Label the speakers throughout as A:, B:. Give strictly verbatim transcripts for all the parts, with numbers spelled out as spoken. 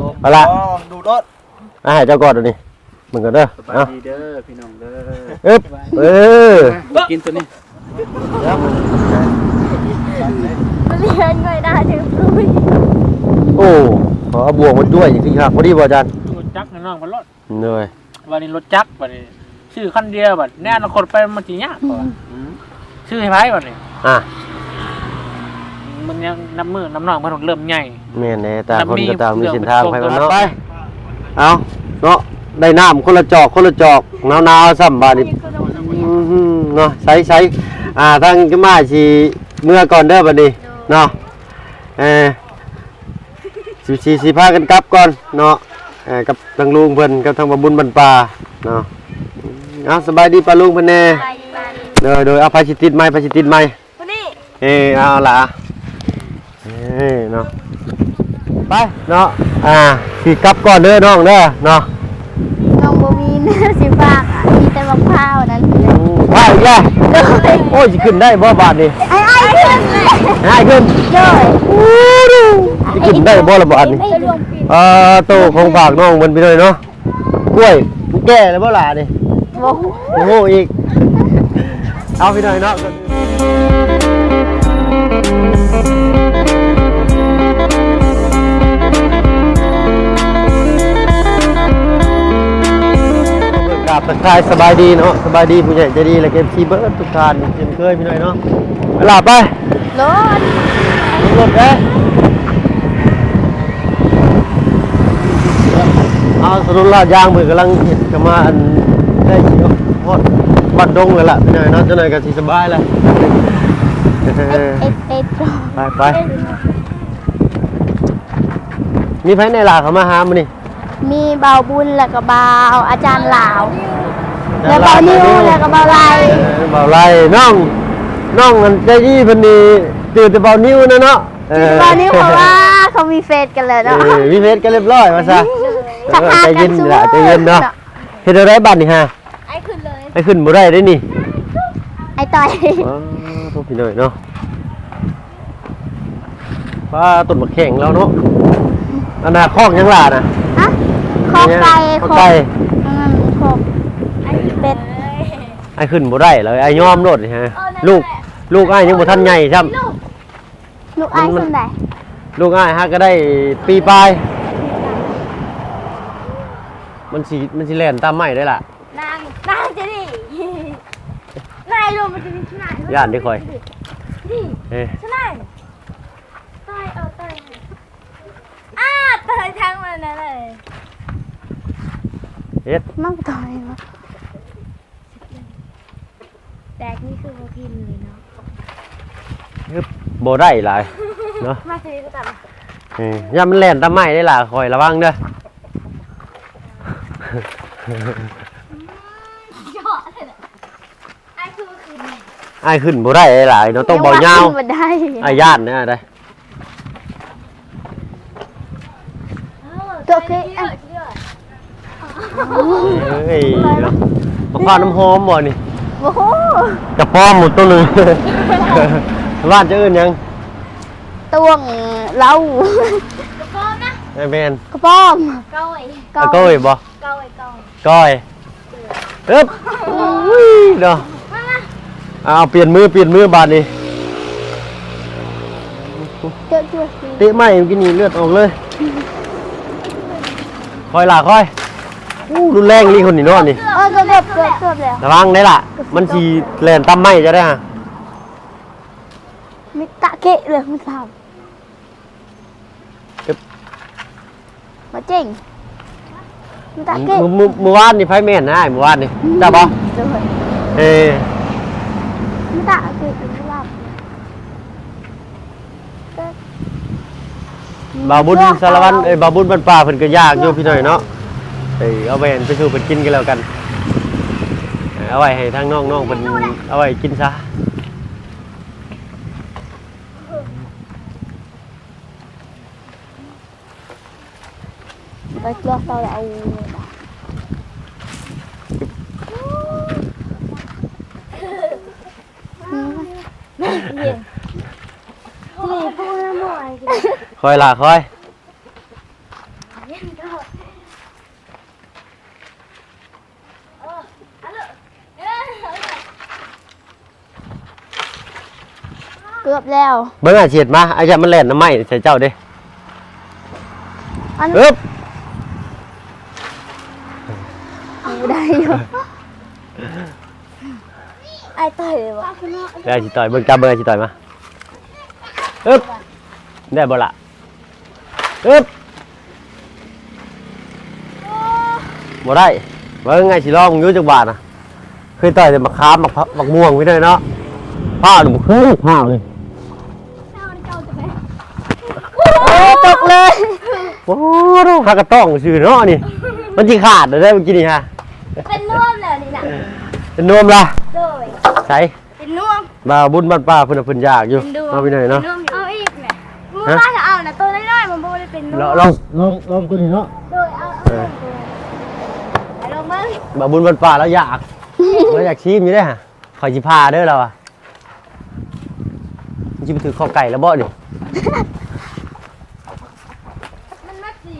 A: เอาละ
B: ดูรถ
A: อ่ะให้เจ้ากอดดูนี่มึงก็เด้อ
C: สบายดีเด้อพี่น้องเด้อ
A: อึ๊บเออ
C: กินตัวนี้
D: มันเลี้ยงไม่ได้ถึงลุย
A: โอ้ขอเอาบวงมาด้วยอย่างที่ครับพอดีบ่อาจารย์
C: รถจักรน้องมันรถ
A: เหนื่อย
C: วันนี้รถจักรวันนี้ชื่อคันเดียวบัดแน่นคนไปมันจียากกว่าชื่อให้ไพ่วันนี้
A: อ่ะ
C: มันยังน้ำมือน้ำหนองมันเริ่มใหญ่
A: แม่นแน่ตาคนก็ตามมีเส้นทางไปมันเนาะไปเอาเนาะได้น้ำคนละจอกคนละจอกหนาวๆซ้ำบาดนี้เนาะใช้ใช้อ่าทางจะมาสิเมื่อก่อนเด้อบัดนี้เนาะเออสิสิสิพากันกลับก่อนเนาะเออกับทางลุงเพิ่นกับทางบ่บุญบรรปาเนาะเอาสบายดีป้าลุงเพิ่นแน่โดยโดยเอาไผสิติดไม้ไผสิติดไม้
D: คนนี้
A: เออเอาล่ะเอ้เนาะไปเนาะอ่าสิกลับก่อนเด้อน้องเด้อเนาะ
D: น้องโบมีเนื้อสีฟ้าค่ะมีแต่มะพร้าวนั้น
A: ไปอีกแล้วโอ้ยสิขึ้นได้บ่บาทนี่
D: ไอ้ไอ้ขึ้นเลย
A: ไอ้ขึ้น
D: เลย
A: สิขึ้นได้บ่ละบาทนี่เอ่อโตของฝากน้องมันไปเลยเนาะกล้วยแก่แล้วบ่ล่ะนี่
D: โอ้โห
A: โอ้โหอีกเอาไปหน่อยเนาะกราบทักทายสบายดีเนาะสบายดีผู้ใหญ่ใจดีและเก็บซีเบิร์ดทุกท่านเช่นเคยพี่หน่อยเนาะไปหลับไป
D: รถ
A: รถเด้เอาสรุปลาดยางมือกำลังเห็ดกันมาอันได้เขียวฮอดบัดดงเลยล่ะพี่หน่อยเนาะจะหน่อยกันสีสบายเลยไปไปมีไผในลาเขามาหามื้อนี่
D: มีเบาบุญแล้วก็เบาอาจารย์หลาวแล้วเบานิ้วแล้วก็เบาไหล
A: เบาไหลน้องน้องมันใจดีเพิ่นนี่ตื่นแต่เบานิ้วนะเนาะ
D: เบานิ้วเพราะว่าเขามีเฟซกันเลยเนาะ
A: มีเฟซกันเรียบร้อยมาซะใจเย็นล่ะใจเย็นเนาะเฮ็ดอะไรบัดนี่ฮะ
D: ไอ้ขึ้นเลย
A: ไอ้ขึ้นบ่ได้เด้นี่
D: ไอ้ต่อย
A: อ๋อพวกพี่น้อยเนาะว่าต้นมะแข้งแล้วเนาะอันน่ะคอกยังล่ะนะ
D: ฮะคอกไก่
A: คอกไก่
D: อืมคอกไอ้เป็ด
A: ไอ้ขึ้นบ่ได้เลยไอ้ยอมโลดนี่ฮะลูกลูกอ้ายยังบ่ทันใหญ่ซ้ำ
D: ลูกอ้ายขึ้นได้
A: ลูกอ้ายฮะก็ได้ปีปลายมันสิมันสิแล่นตามไม้ได้ล่ะ
D: นางนางจะดินายลงมันจะมีชนะ
A: ย่านได้ค่อย
D: เอ้ชนะตายเอาตายอ้าตายทั้งมันนั่นเลย
A: เฮ็ด
D: มั่งตายมั้งแตกนี่คือโบพินเลยเนาะ
A: ฮึบโบได้หลายเนาะ
D: มาซื้อก็ตาม
A: เอ้ยย่ามันแล่นตามไม้ได้ล่ะคอยระวังเด้อ
D: ไอ้คือขึ้น
A: ไอ้ขึ้นโบได้หลายเนาะต้องเบาเงาไอ้ย่านเนี่ยได้
D: ตัวคือ
A: เฮ้ยมะพร้าวน้ำหอมบ่นี่
D: โอ้โห
A: กระป้อมหมดตัวนึงบ้านจะอื่นยัง
D: ตวงเล่ากระป้อมนะ
A: ไอ้เบน
D: กระป้อมก้อย
A: ก้อยบ่
D: ก้อยก้อย
A: ก้อยเอ๊บเนาะเอาเปลี่ยนมือเปลี่ยนมือบาดนี่
D: เตะ
A: เตะไม่กินนี่เลือดออกเลยคอยล่ะคอยอู้รุนแรงนี่คนนี่นอนนี่
D: เออเกือบเกือบเกือบแล้ว
A: ระวังได้ล่ะมันสีแหลนตั้มไม่จะได้ฮะ
D: มิตะเกะเลยมึงทำมาเจ๋งมิตะเกะ
A: มือมือวานนี่ไฟแม่นนะมือวานนี่จ้าบอเอ
D: มิตะเกะไม่หลับบ
A: าบุญสารวัตรเอ้ยบาบุญบรรป่าเพิ่นก็ยากอยู่พี่หน่อยเนาะเอ้ยเอาไปไปสู่เพิ่นกินกันแล้วกันเอาไว้ให้ทางน้องๆเพิ่นเอาไว้กินซะ
D: ไปเลือกเราเอา
A: คอยล่ะคอย
D: เย็นก่อนเออเอาเลยเออ
B: เกือบแล้ว
A: เบิ่งอาเฉียดมาอาจารย์มันแล่นน้ำไหม้ใส่เจ้าเด้
B: อัน
A: อึ๊บ
B: อยู่ได้อยู่
D: ไอ้ต่อยเลยวะ
A: ได้สิต่อยเบิ่งจับเบิ่งอาสิต่อยมาอึ๊บได้บ่ล่ะอึ๊บบ่ได้เบิ่งไงสิลองอยู่จักบาทน่ะเคยต่อยแต่มะขามมะพร้าวมะม่วงไว้ด้วยเนาะผ้าหนูบ่เคยผ้าเลย
B: โอ้ตกเลย
A: โอ้โหพากระต้องชื่อเนาะนี่มันสิขาดได้เมื่อกี้นี่ฮะ
D: เป็นน่วมเลยนี่นะ
A: เป็นนวมล่ะ
D: โดย
A: ใส่
D: เป็นน่วม
A: บ่าวบุญบ้านป้าเพิ่นน่ะเพิ่นอยากอยู่
D: เป็นดวง
A: เอาไปหน่อยเนาะ
D: ป็เอาอีกเนี่ยมึงว่าจะเอานะตัวน้อยๆมันบ่ได้เป็นน่ว
A: ล
D: ม
A: องลองลองลองตัวนี้เนาะ
D: โดยเอาเอาเอาลงมา
A: บ่าวบุญบ้านป้าแล้วอยากแล้วอยากชิมอยู่เด้อฮะขอยสิพาเด้อเราอ่ะมันสิไปถือข้อไก่แล้วบ่นี่
D: มันมักสิ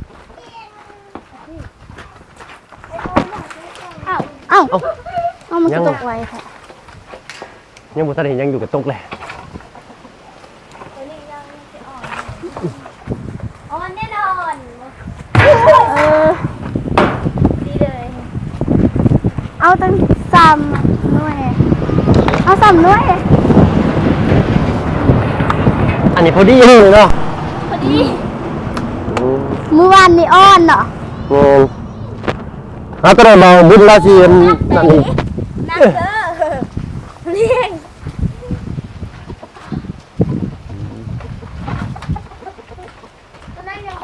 B: เอ้าเอ้าเอามันก็ตกไว้ค่ะ
A: ยังบ่ทันเห็นยังอยู่กับตกเลย
D: ตัวนี้ยังจะอ่อนอ่อนแน่นอน
B: เออ
D: ดีเลย
B: เอาตั้งสามหน่วยเอาสามหน่วย
A: อันนี้พอดีเลยเนาะ
D: พอดี
A: อืม
B: เมื่อวานนี่อ้อนเนาะ
A: งงฮะก็ได้มาบุญราชีนั่นนี่
D: นักเด้อเลี้ยงตัวนั้นยัง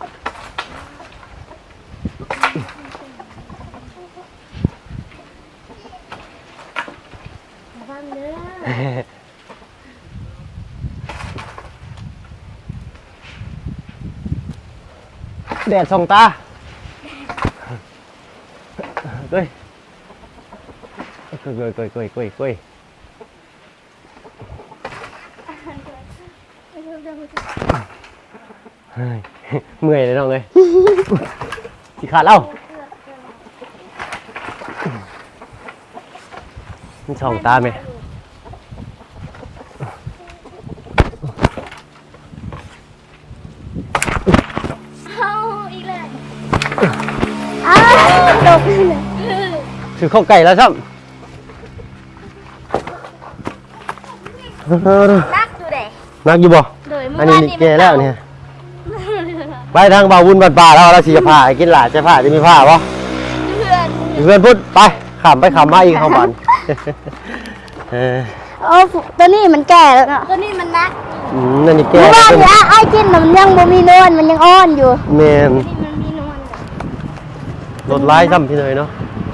D: ฟังเด้อ
A: แดดส่องตาเก้ยเก้ยเก้ยเก้ยเก้ยเก้ยเก้ยเฮ้ยเมื่อยเลยน้องเลยสิขาดเล่ามันส่องตาไหม
D: เอาอีกเลย
B: อ้าวตกเลย
A: ถือข้าวไก่แล้วซ้ำ
D: นักดูเด็ก
A: นักอยู่บ่
D: โดยเมื่
A: อั
D: อน
A: นี้
D: วาน
A: ลิ
D: นี้
A: เกแล้วเนี่ย ไปทางบ่าววุ้นบ้านป่าแล้วเราสิจะผ่าให้กินหลาจะผ่าจะมีผ้าบ่
D: เพื่อน
A: เพื่อนพูดไปขำไปขำมาอีกเข้าบ้านเออ
B: โอ้ตัวนี้มันแก่แล้วเนาะ
D: ตัวนี้มันนัก
A: อืมนั่นนี่แก
B: เมื่อวานนี่ไอ้กินน่ะมันยังบ่มีนวลมันยังอ้อนอยู่
A: แมน
D: นี่มันมีนวลกับ
A: รถไล่ซ้ำพี่หน่อยเนาะ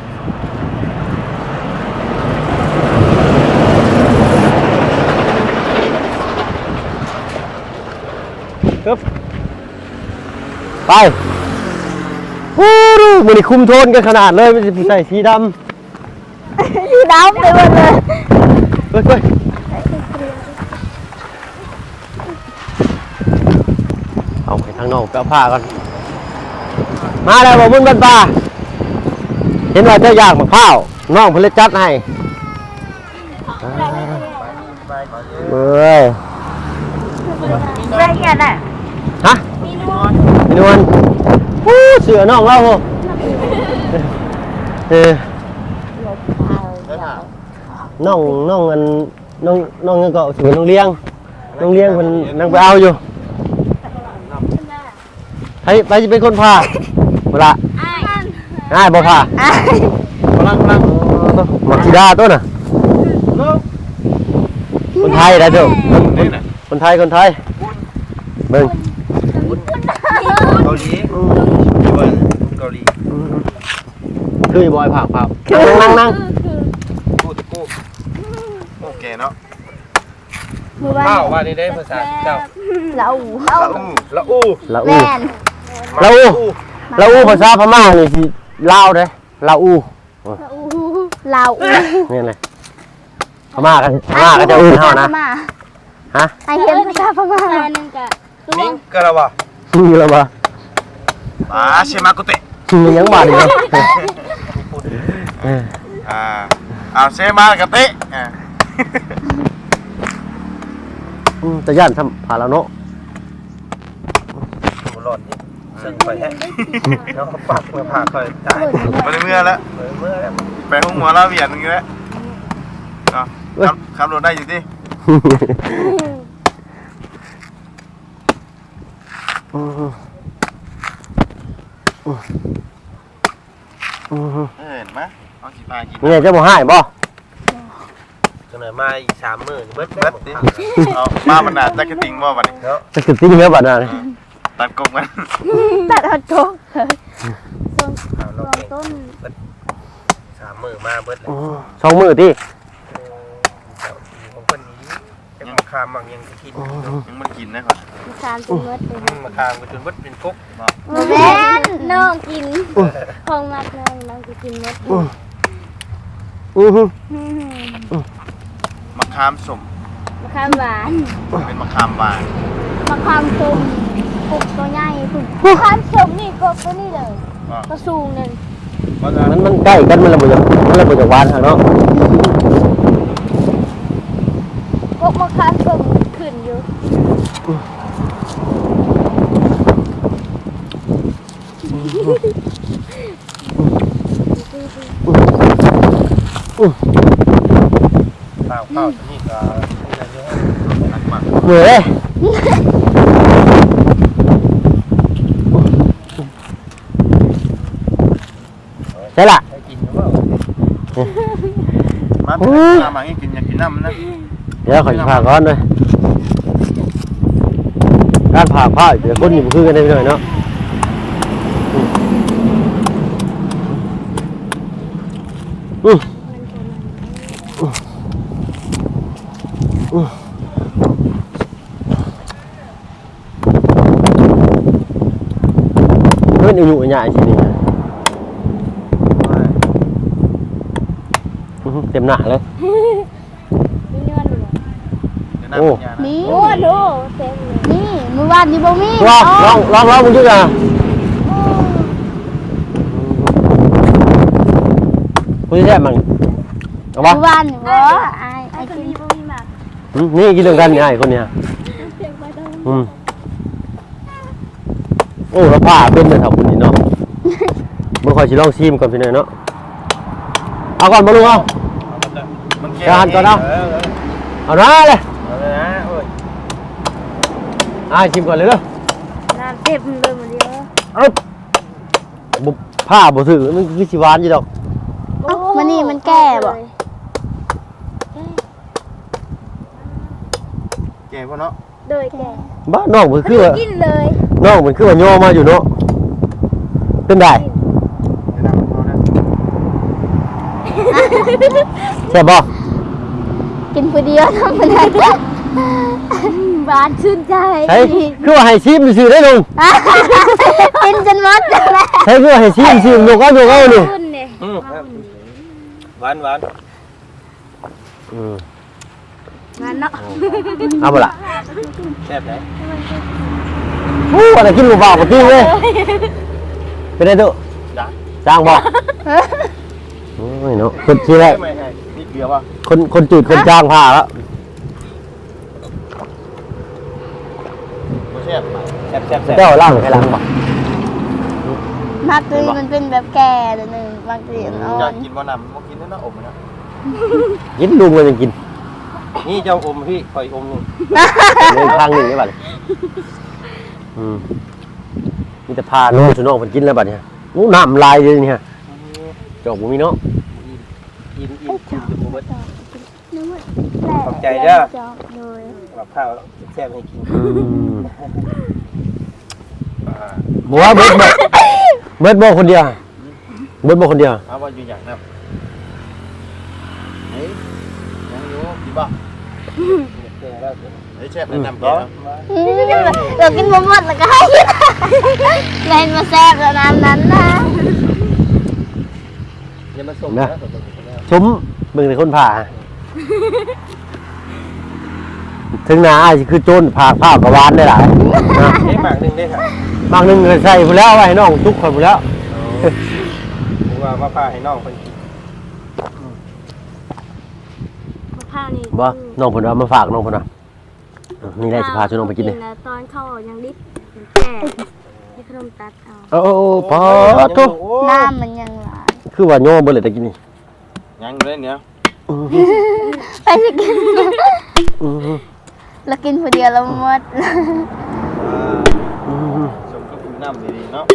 A: ปึ๊บไปฮู้ดูมันนี่คุมโทนกันขนาดเลยมันจะใส่สีดำ
B: สีดำไปหมดเลย
A: เฮ้ยเฮ้ยเอาไปทางนอกไปเอาผ้าก่อน มาแล้วบ่าวบุญบ้านป่าเห็นว่าเจ้าอยากมะพร้าวน้องเพิ่นเลยจัดให้เอ้ย
B: ละเอียดอ่ะ
A: ฮะ
D: มีนวล
A: พี่นวลฮู้เสือน้องเราโหเออน้องน้องอันน้องน้องยังก็ถือน้องเลี้ยงน้องเลี้ยงเพิ่นนั่งไปเอาอยู่ใครไปสิเป็นคนพาบ่ล่ะ
D: ไอ้มัน
A: ง่ายบ่พา
B: อ่ะ
A: กำลังกำลังมักซิดาตัวน่ะคนไทยได้เด้อคนคนไทยคนไทยเบิ่ง
E: เกาหลีอยู่บ้านเกาหลี
A: คืออยู่บอยผักผักนั่งนั่ง
E: กูตะกูโอเคเนาะ
B: เมื่อวาน
E: ข้าวว่านี่ได้ภาษาเจ้า
B: เรา
E: ละอู้ละอู้
A: ละ
B: แม
A: อู้
B: น
A: ละอู้ละอู้ภาษาพม่านี่สิลาวเด้ละอู้
B: เราอู้
A: นี่แหละพม่ากันพม่าก็จะอู้เฮานะ
B: พม่า
A: ฮะ
B: ไอเห็นภาษาพม่า
D: ตาหนึ่งกะตัว
E: มิงกะละวะ
A: นี่ละบ่
E: มาเชมากุเตะ
A: มันยังบาดอีกเลย
E: อ่าเอาเชมากุเตะอ่า
A: จะย่านทำผ่าแล้วเนาะ
E: หล่อนนี่ซึ่งไปแฮะแล้วปักมาผ่าคอยตายไปเมื่อแล้วเมื่อแล้วไปห้องหัวแล้วเวียนอย่างเงี้ยเนาะขับขับรถได้อยู่ดิเห็นไหมเอาสีฟ้ากิน
A: เนี่ยจะบ่ให้บ่
E: จังไหนมาอีกสามมื้อเบิดเบิดดิเอามาบรรดาจักรติงบ่บัดนี้เนาะ
A: จะกึดติ้งเนื้อบัดน่ะ
E: ตัดกงกัน
B: ตัดเอาโจ๊กเลย
E: เอาล
B: ล
E: ง
B: อง
E: เอง
B: ต้น
E: สามมื้อมาเบิดแล้ว
A: สองมือที่
E: ของคนนี้จะมาคามบางยังกินยังมันกินนะครับ
B: มีการเป็นมดเลย
E: มาคามก็จนเบิดเป็นกุ๊ก
B: แม่น้องกินของมัดน้องน้องจะกินมด
A: อือฮึ
E: มะขามสม
B: มะขามหวาน
E: เป็นมะขามหวาน
B: มะขามส้มปลูกตัวใหญ่ปลูกมะขามส้มนี่ก็ตัวนี้เลยก็สูงนึง
A: มันมันใกล้กันมันระเบิดมันระเบิดจากหวานเนาะ
B: พวกมะขามส้มขึ้นอยู่
E: ข้าวข้าวนี่ก็หนักมาก
A: เหนื่อยใช่ละ
E: ให้กินหรือเปล่ามาเป็นน้ำมาให้กินอยากกินน้ำนะ
A: เดี๋ยวขอผ่าก้อนด้วยการผ่าผ้าเดี๋ยวคนอยู่คือกันได้หน่อยเนาะอืออือเพื่อนอยู่ใหญ่ๆทีนี้เต็มหน้าเลย
B: มีเนื้อหนึ่ง
E: โอ้
B: นี่โอ้ดูเต็มเลยนี่มือวานนี่บ่มี
A: ลองลองลองลองมึงดูอ่ะคุณจะแซ่บมั้งเอาปะ
B: มือวานนี่บ่ไอ้ไอ้กินบ่มีมาก
A: นี่กินเรื่องกันนี่ไอ้คนเนี้ยอืมโอ้แล้วผ้าเป็นเลยครับคนนี้เนาะเมื่อคอยชิลองซีมก่อนพี่หน่อยเนาะเอาก่อนมาลุงเอาเอาหน้าเลย
E: เอาเลยนะโอ้ย
A: อ่าชิมก่อนเลยเนาะ
B: น้ำเต็มเลยหมดเดียว
A: เอาบุผ้าบุถือมันคือชิวานอยู่ดอก
B: มันนี่มันแก่บ่
E: แก่พ่อเนาะ
B: โดยแก่
A: บ้าน้องมันคือว่า
B: กินเลย
A: น้องมันคือว่าย่อมาอยู่เนาะเป็นได้
E: เดี๋ยวน้ำเอานะ
A: ใช่ป่ะ
B: กินผู้เดียวทำอะไรบานชื่นใจ
A: ใช่คือว่าให้ชิมซื่อได้ลุง
B: กินจนหมดเลย
A: ใช่คือว่าให้ชิมซื่อลุงก็ลุงเอานี่
B: คุณเนี่ย
E: หวานหวาน
A: อืม
B: งานเนาะ
A: เอาไปละ
E: แซ่บไหน
A: โอ้อะไรกินหมูเปล่ามากินเลยเป็นไงตุ๊จ้างบอกโอ้ยเนาะคนชื่อแรก
E: ไม่ให้นี่เกลือป่ะ
A: คนคนจืดคนจ้างผ้าแล้ว
E: แซ่บแซ่บแซ่บแซ่บ
A: เจ้าล่างใครล่างบอก
B: มากเลยมันเป็นแบบแก่เลยหนึ่งบางทีอ่
E: อยา
B: อก น
E: กินบ่น้ำบ่กินนะอมนะ
A: กินลุงมันยังกิน
E: นี่เจ้าอมพี่คอยอมนึง
A: เดินข้างหนึ่งได้ป่ะอืมมีแต่พาน้องสุน้องมันกินแล้วบัดเนี่ยนู้น้ำลายเลยเนี่ยจบมีเนาะ
E: กินกินกินจะบ่เบิด ขอบใจ
B: เด้อ
E: เด้อ กับข้าวแซ่บให้กิน
A: บอกว่าเบิร์ดบอกเบิร์ดบอกคนเดียวเบิร์ดบอกคนเดียว
E: เอาว่าอยู่อย่างนั้นเฮ้ยยังอยู่ดีป่ะเฮ้ยแซ่บแนะนำแก
B: เรากินหมดหมดแล้วก็ให้เล่นมาแซ่บแล้วน้ำนั้นนะ
E: อย่ามาส่ง
A: นะ
E: นะ
A: ชมเบิ่งในคนผ่าถึงหนาอ้ายสิคือโจรผากผ้ากระวานได้หลายนะ
E: นี่หมากหนึ่งได้ค่ะ
A: บางหนึงก็ใส่พุ่นแล้วไว้ให้น้องทุกคนพุ่นแล้ว
E: ผมว่ามาพาให้น้องเพิ่นกิน
B: มะพร้าวนี่
A: บ่น้องเพิ่นเอามาฝากน้องเพิ่นน่ะนี่แหละสิพาชวนน้องไปกินนี่
B: ตอนเข้ายังดิบแก่ให้ขนมตัดเอา
A: โอ้โอ้พอทุ
B: น้ำมันยังหลาย
A: คือว่าโยมเบิ่เลยตะกี้นี่
E: ยังเลยเนี่ย
B: ไปสิกิน
A: อือ
B: แล้วกินคนเดียวแล้วหมด
A: อือ
E: สมกับคุณน้ำดีๆเนาะ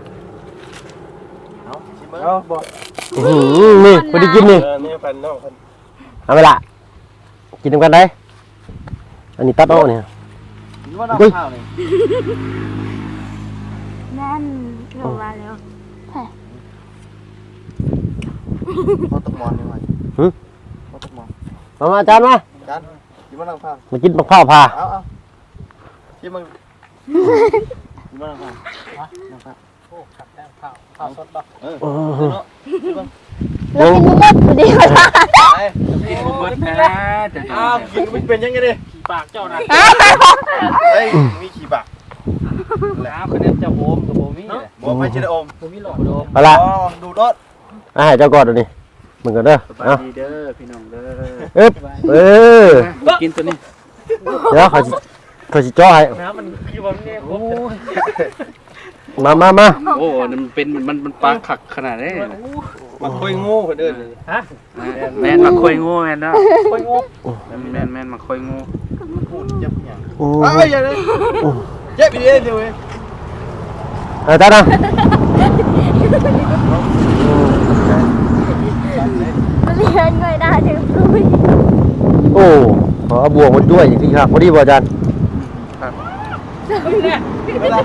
E: เอาชิมเบิ่งเอาบ่
A: อือนี่บ่ได้กินนี่
E: เออนี่เพิ่นน้องเพิ่น
A: เอาไปละกินนำกันได้อันนี้ตัดออกนี่
E: นี่ว่าน้ำข้าวนี่
B: นั่นลงมาแล้ว
E: บ่ต้องมอนนี่ว่า
A: หึ
E: บ่ต้องมอน
A: มามาอาจารย์มา
E: กันกินว่าน้ำข้าว
A: มากินมะพร้าวพา
E: เอาเอาชิมมึงกินว่าน้ำข้าวน้ำข้าว
C: โอ้ขับแต้มข้าวข้าวสดบ่
E: เออ
A: อือ
E: เนาะชิมมึง
B: แล้วกินหมดคนเดียว
E: ไป
C: กินบ่เบิดนะจะ
E: อ้าวกินมันเป็นยังไงดิ
C: ขี้ปากเจ้านะ
E: เฮ้ยมีขี้ปาก
C: แล้วคะแนนจะโฮมกับโฮมี่เลย
E: บอกไปชิดอม
C: บ่มีหลอกโดม
A: เอาละ
E: อ๋อดูดรถ
A: อาให้เจ้าก่อนเดี๋ยวนี้มึงกันเด้อ
C: สบาย
A: เอา
C: ดีเด้อพี่น้องเด้อ
A: เอ๊บเออ
C: กินตัวนี้
A: เดี๋ยวเขาสิเขาสิจ่อให้
C: น้ำมันอยู่บ่เนี่ยโอ้ย
A: มามามา
F: โอ้มันเป็นมันมันปลาขักขนาดนี้
E: มาคุยงูคนเดิน
C: ฮะ
F: แม่นมาคอยงูแม่นเนาะ
C: ค่อยงง
F: แม่นแม่นแม่นมาคอยงู
E: พูดเจ็บอย่าง
A: โอ้
E: เอ้ยอย่าเลยเจ็บอีกเดียวเอง
A: เอาตานะ
B: มันเรียนไม่ได้ถึงรู้
A: โอ้ขอเอาบวกมาด้วยอย่างที่ครับพอดีบ่อาจารย์
E: เวลา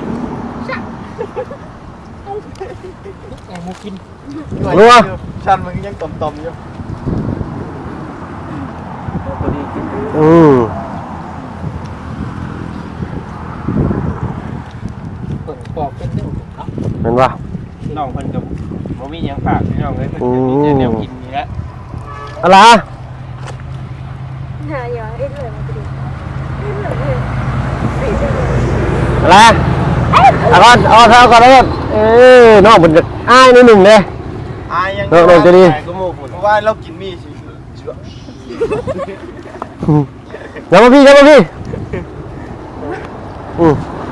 C: แอบมูกิน
E: ชันมันยังต่อมๆอยู่
C: ตัวนี้กิน
A: อืม
C: เปิดปอกเป็นเรื่องเนาะ
A: เห็นป่ะ
E: น้องเพิ่นกับบ่มีหยังฝากพี่น้องเลยเพิ่นจะมีแต่แนวกินนี่แหละ
A: อะไร
B: หาอย่าให้เลยมันจะดี
A: อะไรเอาก่อนเอาเท้าก่อนแล้วเออน้องมันจะอ้ายนิดหนึ่งเลย
E: อายยัง
A: น้องจะดี
E: ก็โมกเพราะว่าเรากินมีสิเชื่อ
A: อย่ามาพี่อย่ามาพี่อืม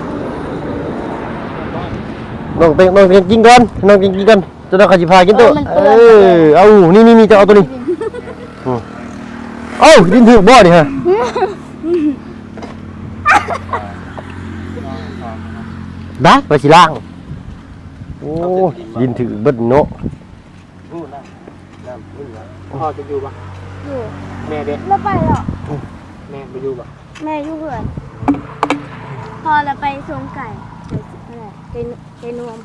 A: น้องเต็งน้องเต็งกินก่อนน้องกินกินกันจะได้ขจิพากินตัวเออเอานี่นี่นี่จะเอาตัวนี้อืมเอ้าดินถือบ่อนี่ฮะบ้าไปสิล่างโอ้ดินถือเบิดโนะ
E: พูดนะน้ำพูดนะ
C: พ่อจะอยู่ปะ
B: อยู่
C: แม่เด็ก
B: แล้วไปหรอ
C: แม่ไปอยู่ปะ
B: แม่อยู่เพื่อนพอเราไปสวมไก่อะไรไก่ไก่นวม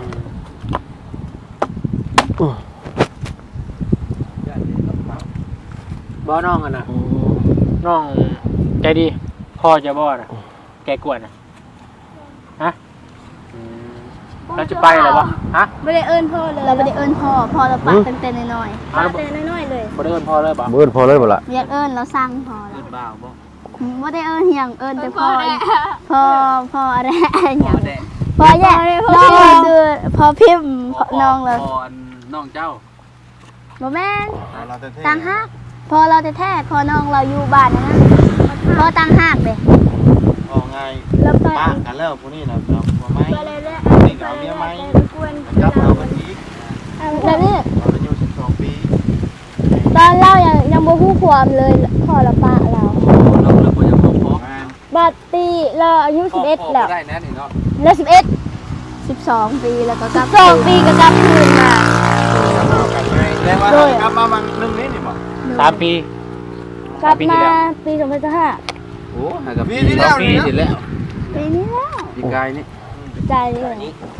C: บ่น้องอ่ะนะน้องใจดีพ่อจะบ่นะแกกวนนะฮะเราจะไปหรอวะฮะ
B: ไม่ได้เอิ้นพ่อเลยเราไม่ได้เอิ้นพ่อพ่อเราปากเต็มๆน้อยๆปากเต็มน้อยๆเลย
C: บ่ได้เอิ้นพ่อเลยบ่
A: เบิดพอเลยบ่ล่ะ
B: เรียกเอิ้นเราสร้างพ่อแล้
F: ขึ้
B: วน
F: บ้าบ่
B: ไม่ได้เอิ้นอย่างเอิ้นแต่พ่อพ่อพ่ออะไรอย่าง
F: แดง
B: พ่อแย่น้องเราคือพ่อพิมพ์น้องเรา
F: พอน้องเจ้า
B: บ่แม่น
E: เราจะเท่
B: ต่างหากพอเราจะแท้พอน้องเราอยู่บ้านนะพอต่างหากเลย
E: ออกไง
B: แล้วไป
E: ป้ากันแล้วพวกนี้นะเราหัวไม้
B: ไปเลยเลย
E: นี่เอาเมียไหม
B: กวน
E: จับเอากันอีก
B: แล้วนี่
E: เราอายุสิบสองปี
B: ตอนเรายังยังบ่ฮู้ความเลยพ่อละปะเรา
F: เราเราควรจะพอพอ
B: บัดปีเราอายุสิบเอ็ดแล้ว
F: ได้นะนี่เนาะ
B: แล้วสิบเอ็ดสิบสองปีแล้วก็กลับสองปีก็กลับคืนมา
E: เอากันไงแล้ว่ากลับมามันหนึ่งนี้นี่บอก
C: สามปี
B: กลับมาปีสองพันสิบห้า
F: โอ้หากับปีที่แล้วปีที่แล้ว
B: ปีนี้แล้ว
F: ปีกายนี่
B: ใจเลย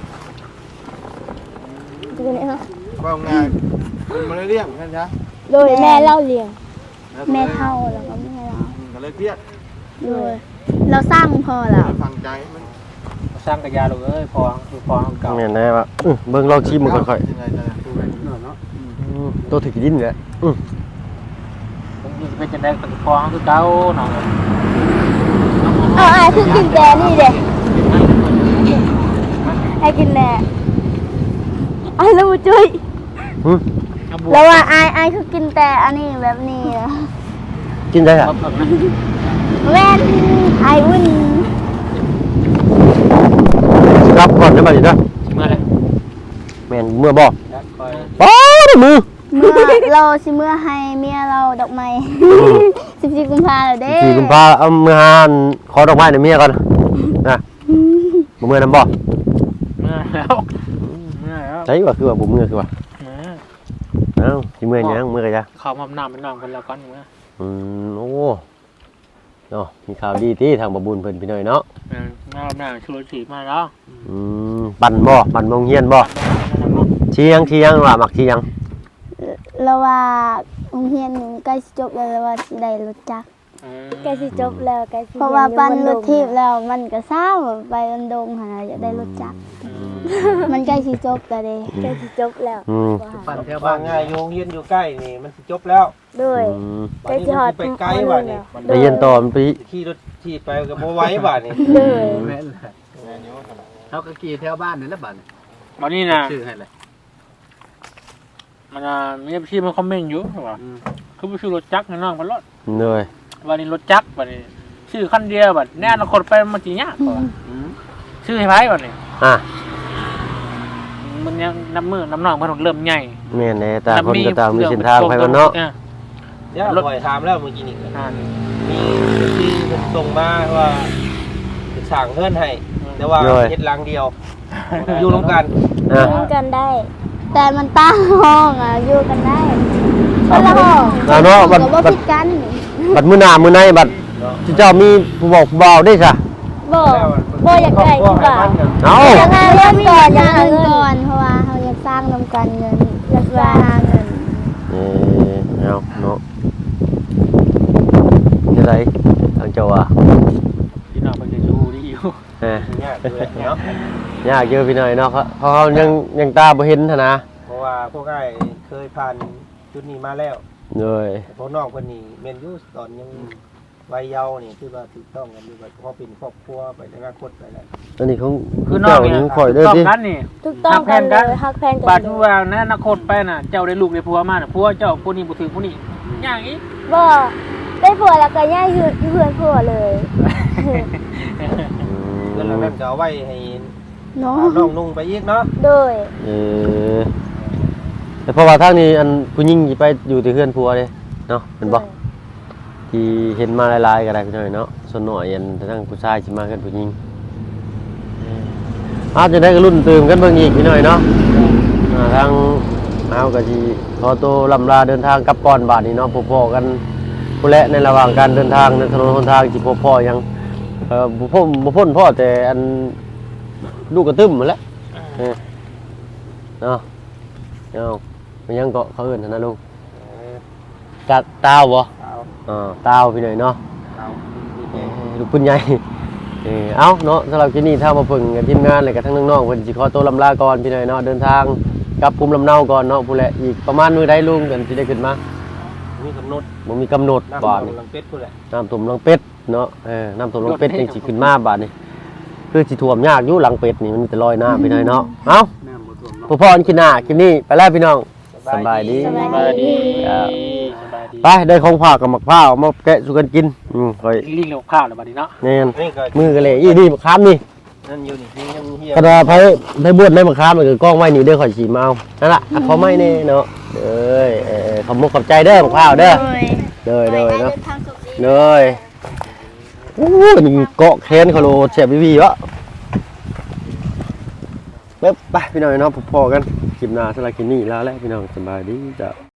B: ดูนี่ฮะ
E: ว่าไงคุณมาเรียกกันจ้ะ
B: โดยแม่เล่าเลี้ยงแม่เท่าแล้วก็แม่เรา
E: ก็เลยเครียด
B: โดยเราสร้างพ่อเรา
E: ฟังใจมัน
C: สร้างกระยาลูกเอ้ยพอคือพอเก่า
A: แม่นแน่ป่ะอื้อเบิ่งลองชิมมันค่อย
E: ยังไงจะดูกัน
F: เนาะ
A: ๆอืมตัวถือดินแหละอื้อ
C: ผมจะเป็นจังได๋ก็พอคือเก่าน้อง
A: อ
B: เอาไอ้คือกินแต่นี่เด้ไอ้กินแน่ไอ้แล้วจุ้ย
A: หึ
C: เอาบว
B: แล้วว่าไอ้ไอ้คือกินแต่อันนี้แบบนี้นะ
A: กินได้อ่ะ
C: มาเพิ่มนะ
B: แม่นไอ้วุ่น
A: รับก่อนได้บ่ดิจ้ะ
C: เมื่อไร
A: แม่นเมื่อบ่
C: แล้วคอย
A: ป้าดมือ
B: เมื่อเราสิเมื่อให้เมียเราดอกไม้สิบสี่กุมภาพันธ์เด้
A: สี่กุมภาเอามือหานขอดอกไม้ในเมียก่อนนะบ่เมื่อนำบ่
C: เมื่อแล้วเมื่อแล้ว
A: ใช่ว่าคือว่าบ่เมื่อคือว่า
C: เมื่อ
A: เอ้าสิเมื่อหยังเมื่อก็จ้ะ
C: เขามาหน้าเป็นน้องกันแล้วก่อนเมื่อ
A: อืมโอ้เนาะมีข่าวดีที่ทางบ่บุญเพิ่นพี่น้อยเนาะ
C: เออหน้าหน้าชุลชีมาแล้ว
A: อืมปั่นบ่ปั่นโรงเรียนบ่เที่ยงเที่ยงว่ามักเที่ยง
B: เราว่าโรงเรียนใกล้สิจบแล้วเราว่าสิได้รถจักร
D: ใกล้สิจบแล้วใกล้สิ
B: เพราะว่าปั้นรถทิพย์แล้วมันก็เศร้าไปอันดงหาอยากได้รถจักรมันใกล้สิจบแล้วเด้
D: ใกล้สิจบแล้ว
A: อืม
F: ปั่นแถว
E: ว่า
F: บ้าน
E: ง่ายโรงเรียนอยู่ใกล้นี่มันสิจบแล้ว
D: ด้วย
A: อืม
D: ใกล้สิฮอด
E: ไปไกลว่ะนี่
A: ไปเรียนต่อมันไป
E: ขี่รถที่ไปก็บ่ไหว้บ่านี่
D: ด้วย
F: แม่นแหละเขาก็ขี่แถวบ้านนี่แหละบ้านนี่
C: วันนี้นะ
F: ชื่อให้เลย
C: มันมีพี่มันคอมเมนต์อยู่ว่า
F: อืม
C: คือไปชื่อรถจักรในน้องพันรถ
A: เหนื่อย
C: วันนี้รถจักรวันนี้ชื่อคันเดียวบัดแน่นอนคนไปมันจีเนี้ยากว่า
F: อืม
C: ชื่อให้ไพ่วันนี้
A: อ่ะ
C: มันยังน้ำมือน้ำหนองมันเริ่มใหญ่
A: แม่นแน่ต่างคนก็ต่างมีเส้นทางไปมันเนาะ
C: ออ
E: เดี๋ยวข่อยถามแล้วเมื่อกี้นี่
C: อ่า
E: มีที่เพิ่นส่งมาว่าสิสร้างเฮือนให้แต่ว่าเฮ็ดหลังเดียว อยู่ร่วมกัน
A: อ่ะ
D: ร่วมกันได้
B: แต่มันตั้งห้องอ่ะอยู่กันได้คนละห้อง
A: อ่ะเนาะบัด
B: ก็บ่
A: บัด
B: ผิดกัน
A: บัดมื้อหน้ามื้อในบัดที่เจ้ามีผู้บอกผู้บ่าวได้ซะ
D: บ่บ่อยากได้คือว่า
A: เอ้า
B: อยากหาเงินก่อนอยากหาเงินก่อนเพราะว่าเราอยากสร้างนำกันเงินอยากว่าหาเงิน
A: เออเอาเนาะจะไดทางเจ้าอ่ะ
C: พี่น้องมันจะอยู่ดีอยู่
A: เออ
E: ยากเลยเนาะ
A: ยากเยอะพี่หน่อยเนาะเขาเขายังยังตาบ่เห็นหั้นนะ
E: เพราะว่าพวกอ้ายเคยผ่านจุดนี้มาแล้ว
A: เลย
E: แต่พวกน้องเพิ่นนี่แม่นอยู่ตอนยังวัยเยาว์นี่คือว่าถูกต้องกันอยู่ว่าพอเป็นครอบครัวไปในอนาคตไปแล้ว
A: ตอนนี้เขา
C: คือน้องเนี่ย
A: เจ้าข่อยเด้อ
C: ต้อง
A: ติ
C: กันนี่
D: ถูกต้องกันเลยฮักแพงกัน
C: บาดว่าในอนาคตไปน่ะเจ้าได้ลูกได้ผัวมาน่ะผัวเจ้าผู้นี้บ่ถือผู้นี้อย่างอีก
D: บ่ได้ผัวแล้วก็ย้ายอยู่เพื่อนผัวเลย
E: เงินเหล่านั้นก็เอาไว้ให้
B: เนาะ
E: น้องนุ่งไปอีกเนาะ
D: โดย
A: เออแต่เพราะว่าทางนี้อันผู้หญิงสิไปอยู่ที่เฮือนผัวเด้เนาะเห็นบ่ที่เห็นมาหลายๆก็ได้พี่หน่อยเนาะส่วนน้อยอันทางผู้ชายสิมากันผู้หญิงอาจจะได้ก็รุ่นตื่มกันเบิ่งอีกพี่หน่อยเนาะอ่าทางเอาก็สิขอตัวลำลาเดินทางกลับก่อนบาดนี้เนาะพบพ่อกันผู้และในระหว่างการเดินทางในถนนหนทางสิพบพ่อยังเอ่อบ่พ้นบ่พ้นพ่อแต่อันลูกกระตึ้มหมดแล้วเออเนาะเอามันยังเกาะเขาเอิ้นหั่นนะลุงกะตาวบ่
E: เอา
A: อ่าตาวพี่หน่อยเนาะ
E: เอา
A: เอ่อลูกพุ่นใหญ่เออเอ้าเนาะสำหรับที่นี่ถ้ามาเพิ่งกับทีมงานเลยกับทั้งน้องๆเพิ่นสิขอตัวลำลาก่อนพี่หน่อยเนาะเดินทางกลับภูมิลำเนาก่อนเนาะผู้แหละอีกประมาณมื้อใดลุงกันสิได้ขึ้นมา
E: มีกำหนด
A: บ่มีกำหนด
E: น้ำ
A: บาด
E: ล
A: นี่
E: งเป็ดพุ่นแหละ
A: น้ำท่วมหลังเป็ดเนาะเออน้ำท่วมหลังเป็ดจังสิขึ้นมาบาดนี่คือสิท่วมยากอยู่หลังเป็ดนี่มันมีแต่ลอยน้ำพี่หน่อยเนาะเอ้า
F: น้ำบ่ท่วมเนาะ
A: ผู้พ่ออันกินหน้าคลิปนี้ไปแล้วพี่น้องสบายดี
C: สบายดี
A: ครับ
C: สบายดี
A: ไปได้ของฝากกับหมักพร้าวมาแกะสู่กันกินอืมค่อย
C: ลิงเร็วข้าวแล้วบัดนี้เนาะ
A: แน่น
E: นี่ก็
A: มือกันเลยอีนี่มะขามนี่
E: นั่นอยู่นี่นี่ยังเฮีย
A: กระดาษไผไผบวชในมะขามมันก็กล้องไว้นี่เด้อข่อยสิมาเอานั่นล่ะอ่ะขอไม้แน่เนาะเด้อเออขอบมุกขอบใจเด้อมะพร้าวเด้อเด้อเด้อเนาะเด้อโอ้ยนี่เกาะแขนเขาโลแซ่บวิวะเบ๊บไปพี่น้องเนาะพอๆกันคลิปหน้าสำหรับคลิปนี้ลาแล้วพี่น้องสบายดีจ้ะ